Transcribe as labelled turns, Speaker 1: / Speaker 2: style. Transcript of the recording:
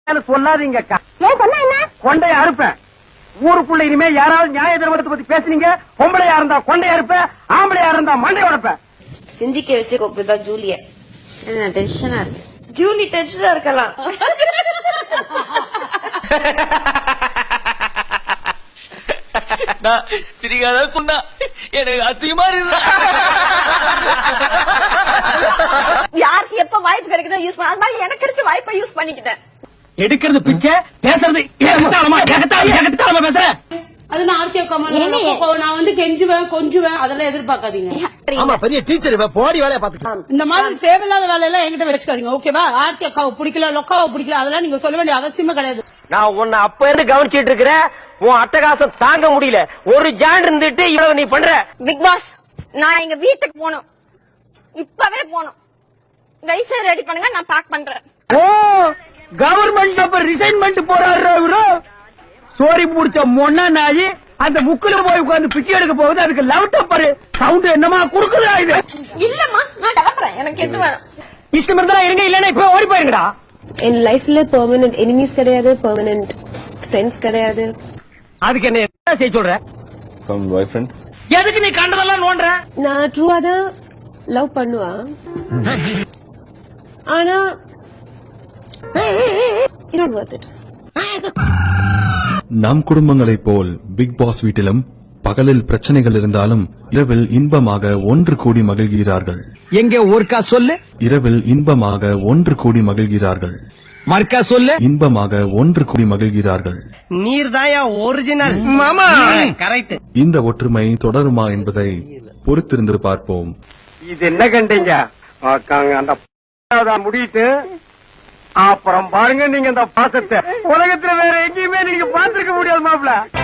Speaker 1: சொல்லாதீங்க அக்கா. கொண்டைய அறுப்பேன். ஊருக்குள்ள இனிமே யாராவது நியாய தர்மத்தை பத்தி பேசுனீங்க, பொம்பளையா இருந்தா கொண்டைய அறுப்பேன், ஆம்பளையா இருந்தா மண்டை உடைப்பேன்.
Speaker 2: சிந்திக்க வச்சு கொப்புதான் ஜூலிய. என்ன டென்ஷனா இருக்கு? ஜூலி டென்ஷனா இருக்கலாம்.
Speaker 3: சிரிக்காத சொன்னா எனக்கு அசிங்கமா இருக்கு.
Speaker 2: யாருக்கு எப்ப வாய்ப்பு கிடைக்குதோ யூஸ் பண்ண, அது மாதிரி எனக்கு கிடைச்ச வாய்ப்பை யூஸ் பண்ணிக்கிட்டேன்.
Speaker 1: எடுக்கிறது பிச்சை, பேசுறது பேசுற.
Speaker 4: அது நான் ஆர்த்தி அக்கா நான் வந்து கெஞ்சுவேன் கொஞ்சுவேன், அதெல்லாம் எதிர்பார்க்காதீங்க.
Speaker 5: பெரிய டீச்சர் போடி வேலையை பாத்துக்கலாம்.
Speaker 4: இந்த மாதிரி தேவையில்லாத வேலையெல்லாம் என்கிட்ட வச்சுக்காதீங்க, ஓகேவா? ஆர்த்தி அக்காவை பிடிக்கல, லொக்காவை பிடிக்கல, அதெல்லாம் நீங்க சொல்ல வேண்டிய அவசியமே கிடையாது.
Speaker 1: நான் உன்னை அப்ப இருந்து கவனிச்சிட்டு இருக்கிறேன். உன் அட்டகாசம் தாங்க முடியல. ஒரு ஜான் இருந்துட்டு இவ்வளவு நீ பண்ற.
Speaker 2: பிக் பாஸ், நான் எங்க வீட்டுக்கு போகணும், இப்பவே போகணும். லைசன்ஸ் ரெடி பண்ணுங்க, நான் பேக் பண்றேன்.
Speaker 1: ஓ, கவர்மெண்ட் அப்ப ரிசைன்மெண்ட் போறாரு இவரு. சோரி முடிச்ச மொன்னா நாயி அந்த முக்குல போய் உட்கார்ந்து பிச்சை எடுக்க போகுது. அதுக்கு லவ் டப்பர் சவுண்ட் என்னமா குடுக்குதா இது?
Speaker 2: இல்லம்மா, நான் கிளம்புறேன், எனக்கு எது வேணும்.
Speaker 1: இஷ்டம் இருந்தா இருங்க, இல்லன்னா இப்ப ஓடி போயிருங்கடா.
Speaker 6: என் லைஃப்ல பெர்மனன்ட் எனிமீஸ் கிடையாது, பெர்மனன்ட் ஃப்ரெண்ட்ஸ் கிடையாது.
Speaker 1: அதுக்கு என்ன செய்ய சொல்ற?
Speaker 5: Boyfriend.
Speaker 1: எதுக்கு நீ கண்டதெல்லாம் நோண்ற?
Speaker 6: நான் ட்ரூவா தான் லவ் பண்ணுவா, ஆனா it's not worth it.
Speaker 7: நம் குடும்பங்களைப் போல் பிக் பாஸ் வீட்டிலும் பகலில் பிரச்சனைகள் இருந்தாலும் இரவில் இன்பமாக ஒன்று கூடி மகிழ்கிறார்கள்.
Speaker 1: எங்க ஒருக்கா சொல்லு.
Speaker 7: இரவில் இன்பமாக ஒன்று கூடி மகிழ்கிறார்கள்.
Speaker 1: மர்க்கா சொல்லு.
Speaker 7: இன்பமாக ஒன்று கூடி மகிழ்கிறார்கள்.
Speaker 1: நீர் தாயா ஒரிஜினல் மாமா. கரெக்ட்.
Speaker 7: இந்த ஒற்றுமை தொடருமா என்பதை பொறுத்திருந்து பார்ப்போம்.
Speaker 1: இது என்ன கண்டீங்க? அந்த முடியிட்டு அப்புறம் பாருங்க நீங்க இந்த பாசத்தை உலகத்துல வேற எங்கேயுமே நீங்க பாத்துருக்க முடியாது மாப்ள.